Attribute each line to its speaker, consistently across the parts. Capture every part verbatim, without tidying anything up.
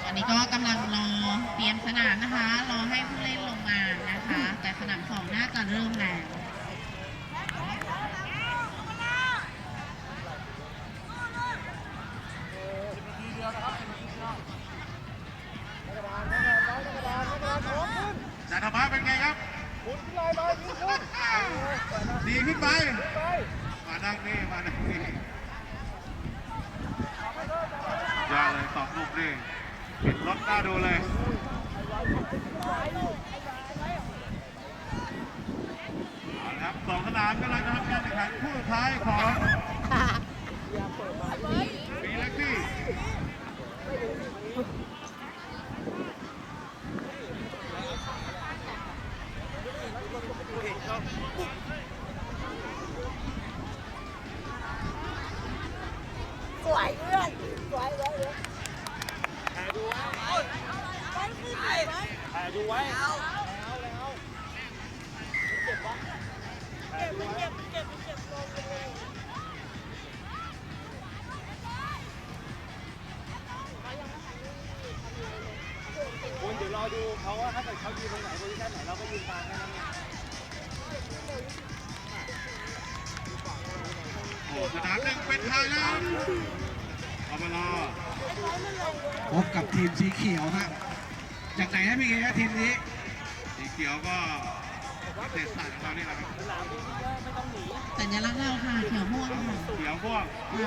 Speaker 1: อันนี้ก็กำลังรอเตรียมสนามนะคะรอให้ผู้เล่นลงมานะคะ แต่สนามสองน่าจะเริ่มแล้ว
Speaker 2: จันทมาเป็นไงครับดีขึ้นไปมาดังนี่มาดังนี่ยอดเลยสองลูกนี่ปิดรถหน้าดูเลยเอาละครับสองสนามกำลังจะทำการแข่งขันคู่สุดท้ายของปีเล็กซี่
Speaker 3: สวยเพื่อนสวยสวยเลยถ่ายดูไว้ถ่ายดูไว้เอาแล้วแล้วเก็บวะเก็บเก็บเก็บเก็บลงเลยคุณเดี๋ยวรอดูเขาว่าถ้าเกิดเขายืนตรงไหนโพซิชั่นไหนเราก็ยืนตามแค่นั้นเอง
Speaker 2: โอ้สนามหนึ่งเป็นไทยแล้วเอามารอ
Speaker 4: พบกับทีมสีเขียวฮะจากไหนฮะพี่เอ๋ทีมนี้
Speaker 2: สีเขียวก็เศษสัตว์ของเรานี่แหละครับ
Speaker 1: สัญลักษณ์เราค่ะเขียวม่วงค่ะ
Speaker 2: เขียวพวก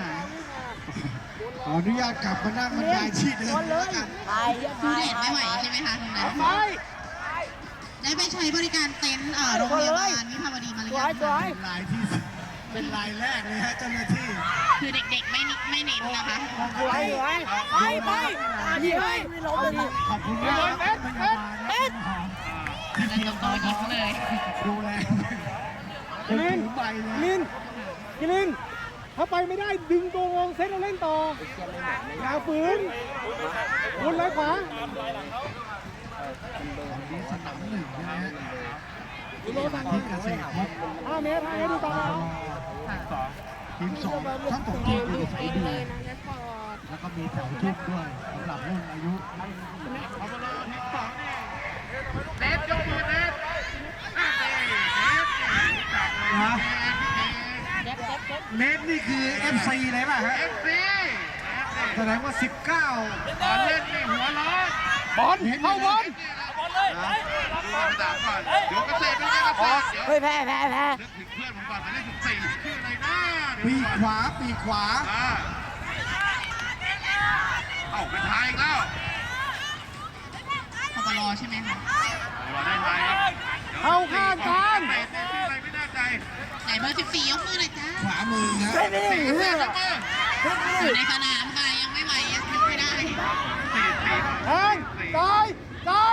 Speaker 4: ขออนุญาตกลับมานั่งบรรยายที่เดิมแล้วกัน
Speaker 1: ดูเด็ดไม่ไหวใช่ไหมคะตรงนั้นได้ไปใช้บริการเต็นท์โรงพยาบาลวิภาวดีมาหรือยังคะ
Speaker 4: เป็นลายที่เป็นลายแรกเลยฮะเจ้าหน้าที่
Speaker 1: คือเด็กๆไม่ไม่เน้นนะคะ
Speaker 3: ไปไปไปดีไปไม่ล้มเลย
Speaker 4: ขอบคุณมากพยาบาลและ
Speaker 1: นั่นโตๆยิ้มเลย
Speaker 4: ดูแล
Speaker 5: กิลินกิลินกิลินถ้าไปไม่ได้ดึงตัวงงเซตเราเล่นต่ออย่าฝืนวนไหลขวา
Speaker 4: นี้สนามหนึ่งนะฮะที่เกษตรพบ
Speaker 5: ห้าเมตรห้าเมตรดูตา
Speaker 4: ทีมสองทั้งสองทีมอยู่สายดีแล้วก็มีแถวชุบด้วยสำหรับรุ่นอายุ
Speaker 2: เอามารอทีมสองนี่เนฟยกมือเนฟ
Speaker 4: นะเนฟนี่คือ เอฟ ซี เลยป่ะฮะ
Speaker 2: เอฟซี
Speaker 4: แสดงว่าสิบเก้า
Speaker 2: ตอนเล่นนี่หัวร้อน
Speaker 5: บอลเข้าบอล
Speaker 2: ดูสนามก่อนเดี๋ยวเกษตรเป็นไงเกษตร
Speaker 3: เฮ้ยแพ้แพ้แพ้
Speaker 2: นึกถึงเพื่อนผมก่อนไปเล่นสิบสี่ชื่ออะไรนะ
Speaker 4: ปีขวาปีขวา
Speaker 2: เอ้าเป็นไทยอีกแล้ว
Speaker 1: พปรใช่ไหมคะ
Speaker 2: เราได้ไทยครับ
Speaker 5: เข้าข้างกัน
Speaker 2: เตะชื่ออะไรไม่แน่ใจ
Speaker 1: ไหนเบอร์สิบสี่ยกมือหน่อยจ้า
Speaker 4: ขวามือนะ
Speaker 2: สี่เสียยกมือ
Speaker 1: อยู่ในสนามค่ะยังไม่ไหวยังไม่ได้
Speaker 2: สี่สี่
Speaker 5: แทงตายตาย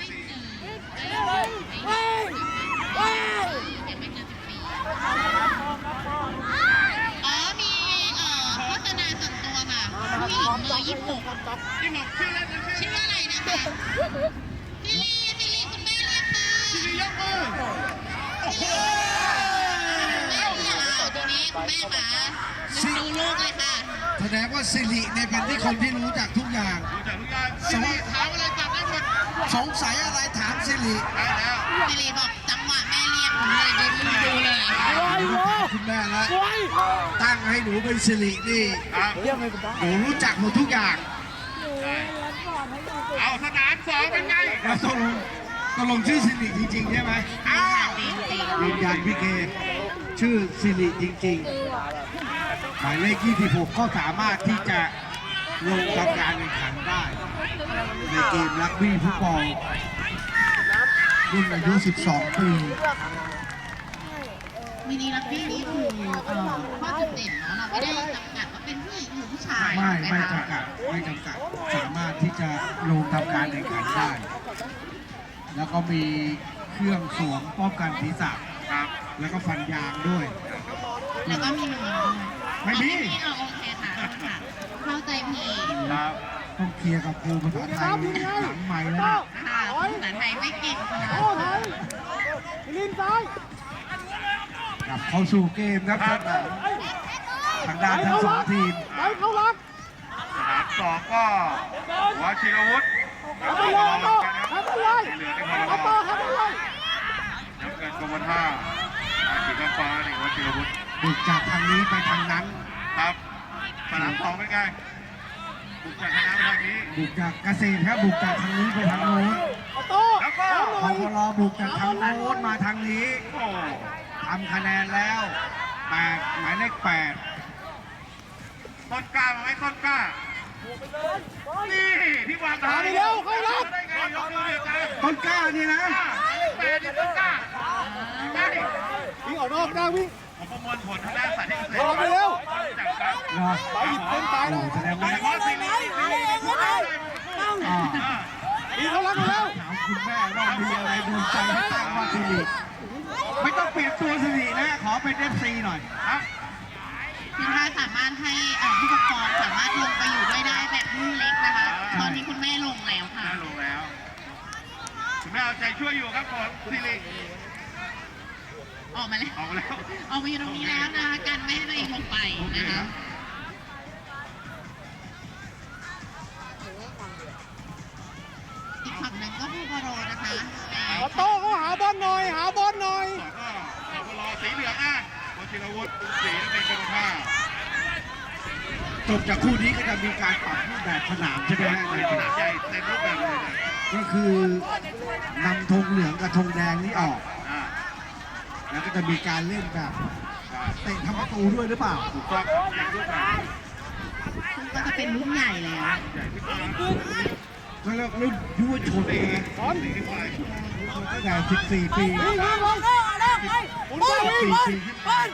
Speaker 1: อ๋อมีเอ่อโฆษณาส่วนตัวค่ะผู้หญิงเบอร์ยี่สิบหก
Speaker 2: ยี่หกชื่อเล่น
Speaker 1: ชื่อว่าอะไรนะคะซิลีซิลีคุณแม่เรียกค่ะ
Speaker 2: ซิลียกมือโอ้โห
Speaker 1: แม่เรียกตัวนี้คุณแม่ค่ะดูลูกเลยค่ะ
Speaker 4: แสดงว่าสิริเนี่ยเป็นที่คนที่รู้จักทุกอย่าง
Speaker 2: รู้จักทุกอย่างซิลีถามอะไรจัดได้หมด
Speaker 4: สงสัยอะไรถามสิริ
Speaker 2: ได้แล้ว
Speaker 1: ซิลีบอกจังหวะแม่เรียกผมเลยดูดูเลย
Speaker 4: คุณแม่แล้วตั้งให้หนูเป็นสิรินี่หนูรู้จักหมดทุกอย่าง
Speaker 2: เอาสนามสองเป็นไง
Speaker 4: แล้วตกลงตกลงชื่อสิริจริงๆใช่ไหม
Speaker 2: อ้าว
Speaker 4: ยืนยันพี่เคชื่อสิริจริงๆหมายเลขยี่สิบหกก็สามารถที่จะลงทำการแข่งขันได้ในเกมรักบี้ฟุตบอลรุ่นอายุสิบสองปี
Speaker 1: มินิรักบี้นี่คือข้อจุดเด่นเนาะเราไม่ได้จำกัดว่าเป็นผู้หญิงหรือผู้ชาย
Speaker 4: ไม่ไม่จำกัดไม่จำกัดสามารถที่จะลงทำการแข่งขันได้แล้วก็มีเครื่องสวมป้องกันศีรษะแล้วก็ฟันยางด้วย
Speaker 1: แล้วก็มีนวมด้วย
Speaker 4: ไม่มี
Speaker 1: เอาโอเคค่ะเข้าใจผิด
Speaker 2: ครับ
Speaker 4: ต้องเคลียร์กับครูภาษาไทยหลังใหม่แล้ว
Speaker 1: ค่ะภาษาไทยไม่เก่งค่ะ
Speaker 5: ลินซ้าย
Speaker 4: กลับเข้าสู่เกมครับทางด้านทั้งสองทีม
Speaker 5: ไปเข้าหลัก
Speaker 2: สนามสสองก็วชิรวุฒิ
Speaker 5: เอาไปเลยเอาไปเอาไปเลย
Speaker 2: สีเหลืองในพล
Speaker 5: เอา
Speaker 2: บ
Speaker 5: ต่อเอาไปเลย
Speaker 2: น้ำเงินกรมท่าอาชีพน้ำฟ้านี่วชิรวุฒิ
Speaker 4: บุกจากทางนี้ไปทางนั้น
Speaker 2: ครับสนามสองเป็นไงบุกจากคณะไปทางนี้
Speaker 4: บุกจากเกษตรครับบุกจากทางนี้ไปทางโน้น
Speaker 5: เอาโต้
Speaker 2: แล้วก็
Speaker 5: เอาห
Speaker 4: พ
Speaker 5: น่อย
Speaker 4: วรบุกจากทางโน้นมาทางนี้
Speaker 2: โอ้
Speaker 4: ทำคะแนนแล้วแปดหมายเลขแปด
Speaker 2: ต้นกล้ามาไหมต้นกล้านี่ที่วางเท้าได้ไงยกมือเดียวกัน
Speaker 4: ต้นกล้านี่นะ
Speaker 2: แปดนี่ต้นกล้าได้
Speaker 5: วิ่งออกนอกได้วิ่ง
Speaker 2: ผมประมวลผลทางด้านสายที่เกษตร
Speaker 5: เอาไปเร็ว
Speaker 2: จากครับ
Speaker 4: เหรอ
Speaker 5: ไปหยิบเส้นตาย
Speaker 4: โอ้
Speaker 5: แล้ว
Speaker 4: แสดง
Speaker 2: โด
Speaker 4: ว่าย
Speaker 2: เฉพาะสีนี้สีนี้พูดได้
Speaker 4: อ่า
Speaker 5: วิ่งเขารักแล้ว
Speaker 4: ถามคุณแม่ว่ามีอะไรโดนใจให้ตั้งว่าสิริไม่ต้องเปลี่ยนตัวสิรินะ ขอเป็นเอฟซีหน่อย
Speaker 2: ครับ
Speaker 1: คือถ้าสามารถให้เอ่อผู้ปกครองสามารถลงไปอยู่ด้วยได้แบบรุ่นเล็กนะคะ ตอนนี้คุณแม่ลงแล้วค่ะ
Speaker 2: ได้ลงแล้วคุณแม่เอาใจช่วยอยู่ครับผมสิริ
Speaker 1: ออกมาแล้ว
Speaker 2: ออกมาแล้ว
Speaker 1: ออกมาอยู่ตรงนี้แล้วนะคะกันไม่ให้ตัวเองลงไปนะคะ อีกฝั่งหนึ่งก็ผู้บอลนะคะ
Speaker 5: เอาโต้เขาหาบอลหน่อยหาบอลหน่อย
Speaker 2: สองก็เรารอสีเหลืองอ่ะวชิรวุฒิสีเป็นกรมท่า
Speaker 4: จบจากคู่นี้ก็จะมีการปรับรูปแบบสนามใช่ไหมฮะ
Speaker 2: ในขนาดใหญ่เต็มรูปแบบเลยนะ
Speaker 4: ก็คือนำธงเหลืองกับธงแดงนี่ออก
Speaker 2: อ่า
Speaker 4: แล้วก็จะมีการเล่นแบบเตะทำประตูด้วยหรือเปล่า
Speaker 2: ถูกต้องเต็มรูปแบบ
Speaker 1: ซึ่งก็จะเป็นรุ่นใหญ่แล้ว
Speaker 2: ใหญ่ขึ้นมา
Speaker 4: ก็เรียกรุ่นยุวชน
Speaker 2: สี
Speaker 4: นะ
Speaker 2: สีขึ้นไป
Speaker 4: ตั้งแต่สิบสี่ปี
Speaker 5: วิ่งวิ่งลงหมุนบอลวิ่งบอลบอล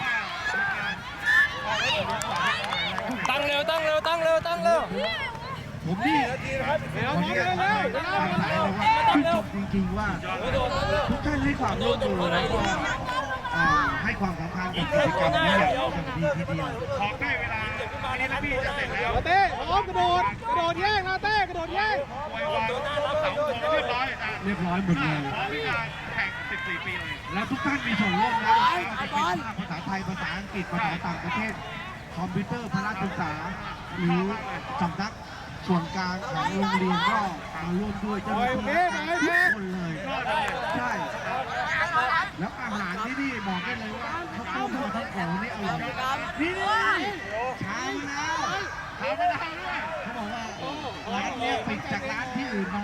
Speaker 3: ตั้งเร็วตั้งเร็วตั้งเร็วตั้งเร็ว
Speaker 4: ผมนี่ขออนุญาตทำให้ทางสายเลยว่าชื่นชมจริงๆว่า ทุกท่านให้ความร่วมมือแล้วก็เอ่อให้ความสำคัญกับกิจกรรมนี้อย่างอย่างดีทีเดียว
Speaker 2: ขอใกล้เวลาวันนี้นะพี่จะเสร็จแล้ว
Speaker 5: เต้พร้อมกระโดดกระโดดแย่งนะเต้กระโดดแย่ง
Speaker 2: ไว้วางเสาธงเรียบร้อยนะ
Speaker 4: เรียบร้อยหมดเลย
Speaker 2: พร้อมที่จะแข่งสิบสี่ปีเลย
Speaker 4: แล้วทุกท่านมีส่วนร่วมนะจะเป็นภาษาไทยภาษาอังกฤษภาษาต่างประเทศ คอมพิวเตอร์พละศึกษา หรือสำนักส่วนกลางของโรงเรียนก็มาร่วมด้วยเจ้าหน้าที่ทุกคนเลยใช่ แล้วอาหารที่นี่บอกได้เลยว่าข้าวต้มทั้งของนี่อร่อยนี่ชามะนาว
Speaker 2: ทำไม่ได้ด้วย
Speaker 4: เขาบอกว่าร้านเนี้ยปิดจากร้านที่อื่นมา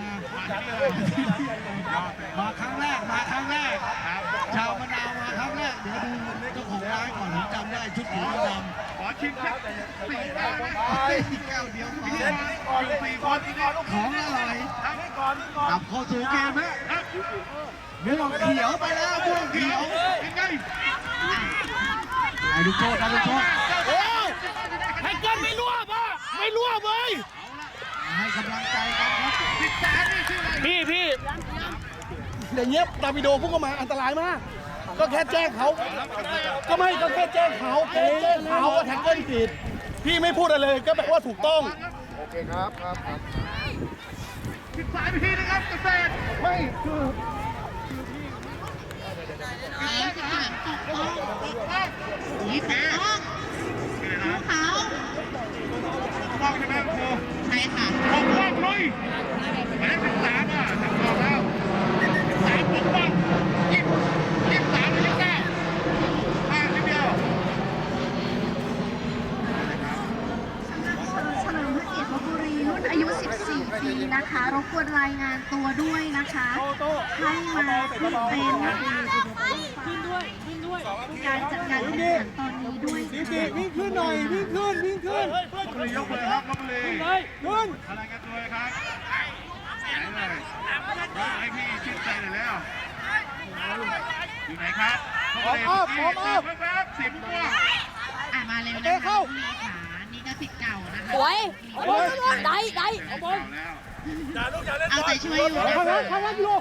Speaker 4: มาครั้งแรกมาครั้งแรก
Speaker 2: ครับ
Speaker 4: ชาวมะนาวมาครั้งแรกเดี๋ยวดูเจ้าของร้านก่อนผมจำได้ชุดสีดำ
Speaker 2: ขอชิมสักสี่แก้วไหม
Speaker 4: เฮ้ยแก้วเดียวพอ
Speaker 2: อยู่สี่คนที่นี่
Speaker 4: ของอร่อย
Speaker 2: ครับ
Speaker 4: กลับเข้าสู่เกมฮะ
Speaker 2: ครับ
Speaker 4: ม่วงเขียวไปแล้วม่วง
Speaker 2: เดี๋
Speaker 4: เขี
Speaker 2: ย
Speaker 4: ยว ว
Speaker 2: เป็นไง
Speaker 4: ไอ้ลูกโทษนะลูกโทษ
Speaker 5: โอ้ยให้เกินไม่รั่วป่ะไม่รั่วเว้ย
Speaker 4: ให้กำลังใจกันครับ
Speaker 2: สิบสามนี่ชื่ออะไร
Speaker 5: พี่พี่อย่างเงี้ยดาวิโดพุ่งเข้ามาอันตรายมาก ก็แค่แจ้งเขาก็ไม่ก็แค่แจ้งเขาแค่แจ้งเขาว่าแท็กเกิลผิดพี่ไม่พูดอะไรเลยก็แปลว่าถูกต้อง
Speaker 2: สิบสามพี่นะครับเกษตร
Speaker 5: ไม่คือ
Speaker 1: แล้วสิบสามตกต้องนี่ปกป้องผู้เขา
Speaker 2: ปกป้องใช่ไหมครู
Speaker 1: ใช่ค่ะ
Speaker 2: ปกป้องลุยหมายเลขสิบสามอ่ะจับกองแล้วสิบสามปกป้องยี่สิบยี่สิบสามหรือยี่สิบเก้าห้าสิบเดียว
Speaker 6: เฉลิมพระเกียรติลพบุรีรุ่นอายุ สิบสี่ ปีนะคะ รบกวนรายงานตัวด้วยนะคะ ให้มาขึ้นเป็นการจัดการแข่งขันตอนนี้ด้วย
Speaker 5: ดี
Speaker 6: ค่ะ
Speaker 5: ดีวิ่งขึ้นหน่อยวิ่งขึ้นวิ่งขึ้น
Speaker 2: ลบบุรียกมือครับลบบุรี
Speaker 5: ขึ้น
Speaker 2: อะไรกันตัวเลยครับไหนเลยให้พี่ชื่นใจหน่อยแล้วอยู่ไหนครับลบบุรีแป๊บๆสิบตัว
Speaker 1: อ่ะมาเร็วนะคะคุณลีขานี่ก็สิทธิ์เก่านะคะ
Speaker 7: สวยได้ได้
Speaker 2: เอาบอลแล้ว
Speaker 1: เอาใจช่วยอยู่นะ
Speaker 5: ข้าง
Speaker 1: คะ
Speaker 5: นั้นข้างนั้นอยู่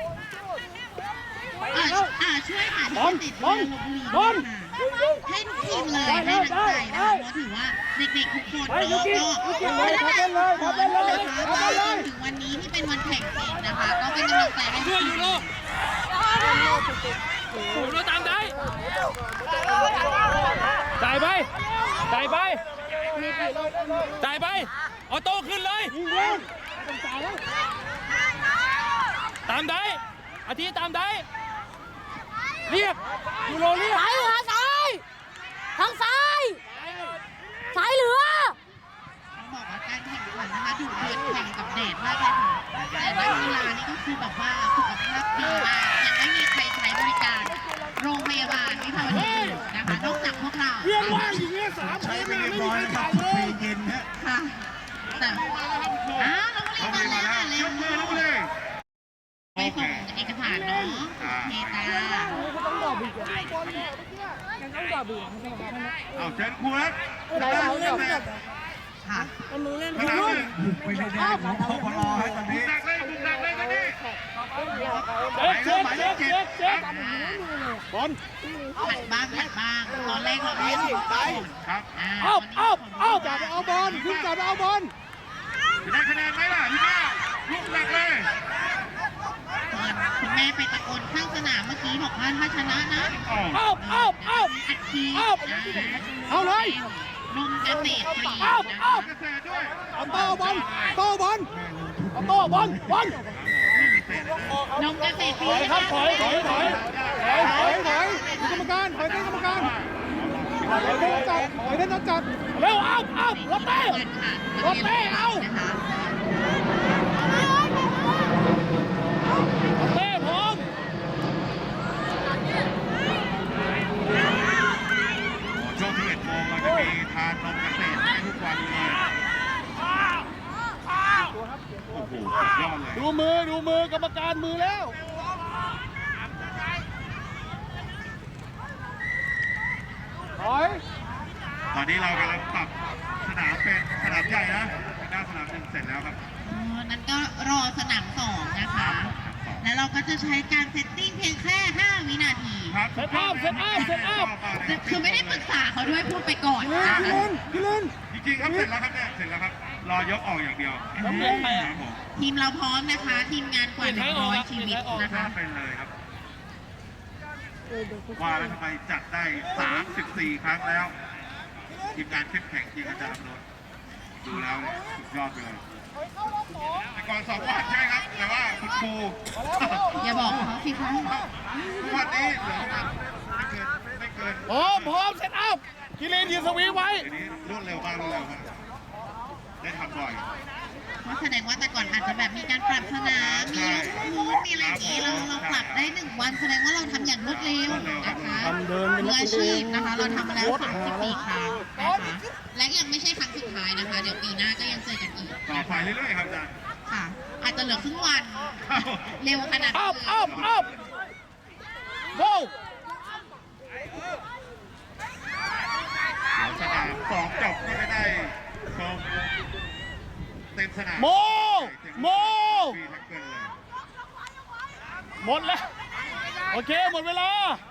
Speaker 1: อ่ะอ่ะช่วยหาที่ติดเรือลพบุรีด้วยค่ะให้ทุกทีมเลยให้นักใจนะคะเพราะถือว่าเด็กๆทุกคนก็ก็พัฒนาทุกคนนะคะมาจนถึงวันนี้ที่เป็นวันแข่งจริงนะคะ ก็เป็นกำลังใจให้ทุกทีม
Speaker 3: ผมเราตามได้จ่ายไปจ่ายไปจ่ายไปออโต้ขึ้นเลย
Speaker 5: ยิงเล่นต้องจ่ายแล้ว
Speaker 3: ตามได้อาทิตย์ตามได้เรียกยูโรเรียก
Speaker 7: ซ้ายเหลือซ้ายทางซ้ายซ้ายเหลือ
Speaker 1: ต้องบอกว่าการแข่งขันนะคะดูเดือดแข่งกับเดชมากเลยค่ะแต่นักกีฬานี่ก็คือแบบว่าสุขภาพดีมากยังไม่มีใครใช้บริการโรงพยาบาลวิภาวดีนะคะนอกจากพวกเรา
Speaker 5: เรื่องว่างอย่างเงี้ยสาม
Speaker 4: ใช้
Speaker 5: เกม
Speaker 4: ไป
Speaker 5: ไม่
Speaker 4: เรียบ
Speaker 5: มี
Speaker 4: ร้อย
Speaker 5: ใคร
Speaker 4: แล้วครับ
Speaker 5: จ่ายเลย
Speaker 4: ฟรีเย็นฮะ
Speaker 1: ค่ะแต่อ้าวน้องลีมาแล้วเร็
Speaker 2: ยว กมือลุกเลย
Speaker 1: ไปส่งเอกสารเนาะโอเคจ้า
Speaker 2: เอาเชิญครูครับ
Speaker 1: ค่ะ
Speaker 2: สนามหนึ่ง
Speaker 4: บุกไปในแดนของพลฮะตอน
Speaker 2: บุ
Speaker 4: นี้
Speaker 2: กหนักเลยบุกหนักเลยตอนนี้
Speaker 5: เช็คเช็คเช็คเช็คบอล
Speaker 1: หัดบ้างหัดบ้างตอนแรกเราไม่ได้ไป
Speaker 2: ครับ
Speaker 5: เอาเอาเอาจับไปเอาบอลขึ้นจับไปเอาบอล
Speaker 2: จะได้คะแนนไหมล่ะพี่ก้าลุกหนักเลย
Speaker 1: คุณแม่ไปตะโกนข้างสนามเมื่อกี้บอกว่าถ้าชนะนะ
Speaker 5: เอาเอาเอา
Speaker 1: อัดฉี
Speaker 5: เอาเอาเลย
Speaker 1: นมเกษตรฟรี
Speaker 5: เอาเอา
Speaker 2: เกษตรด้วย
Speaker 5: เอาโต้บอลโต้บอลเอาโต้บอลบอล
Speaker 1: นมเกษตรฟรี
Speaker 5: ถอยครับถอยถอยถอยถอยถอยถอยกรรมการถอยเต้นกรรมการถอยเต้นจัดถอยเต้นจัดเร็วเอาเอารถเต้รถเต้เอาเต้พร้อม
Speaker 2: ช่วงที่เอ็ดโมงเราจะมีทานนมเกษตรให้ทุกวันเลยโอ้โหสุดยอดเลย
Speaker 5: ดูมือดูมือกรรมการมือแล้วถอย
Speaker 2: ตอนนี้เรากำลังปรับสนามเป็นสนามใหญ่นะด้านสนามหนึ่งเสร็จแล้วครับ
Speaker 1: นั้นก็รอสนามสองนะคะ แล้วเราก็จะใช้การเซตติ้งเพียงแค่ห้าวินาที
Speaker 2: ครับ
Speaker 5: เซตอัพเซตอัพเซตอัพ
Speaker 1: คือไม่ได้ปรึกษาเขาด้วยพูดไปก่อน
Speaker 5: พี่เล่นพี่เล่น
Speaker 2: จริงๆครับเสร็จแล้วครับเนี่ยเสร็จแล้วครับ รอยกออกอย่างเดียว
Speaker 5: แล้วเป็นใครอ่ะ
Speaker 2: ครับผม
Speaker 1: ทีมเราพร้อมนะคะ ทีมงานกว่าหนึ่งร้อยชีวิตนะคะ
Speaker 2: เป็นเลยครับว่าแล้วทำไมจัดได้สามสิบสี่ครั้งแล้วทีมงานเข้มแข็งจริงอาจารย์อำนนท์ดูแล้วเนี่ยสุดยอดไปเลยแต่ก่อนสองวันใช่ไหมครับ แต่ว่าคุณครู
Speaker 1: อย่าบอกเขาสิคะ
Speaker 2: วันนี้เหลือประมาณไม่เกินไม่เกิน
Speaker 5: พร้อมพร้อมเซตอัพกิเลนยืนสวีไว้
Speaker 2: ทีนี้รวดเร็วมากรวดเร็วมากได้ทำบ่อย
Speaker 1: เพราะแสดงว่าแต่ก่อนอาจจะแบบมีการปรับสนามมียกพื้นมีอะไรอย่างนี้เราเราปรับได้หนึ่งวันแสดงว่าเราทำอย่างรวดเร็วนะคะมืออาชีพนะคะ เราทำมาแล้วสามสิบสี่ครั้งนะคะและยังไม่ใช่ครั้งสุดท้ายนะคะ เดี๋ยวปีหน้าก็ยังเจอกันอีก
Speaker 2: ต่อไปเรื่อยๆครับอาจารย์
Speaker 1: ค่ะ อาจจะเหลือครึ่งวันเร็วขนาด
Speaker 5: อั
Speaker 1: นี้
Speaker 5: พอัพอัพโว้ว
Speaker 2: เดี๋ยวสนามสองจบก็จะได้ชมเต็มสนาม
Speaker 5: โมโม
Speaker 2: ฟรีแท็กเกิลเลย
Speaker 5: หมดแล้ว โอเค หมดเวลา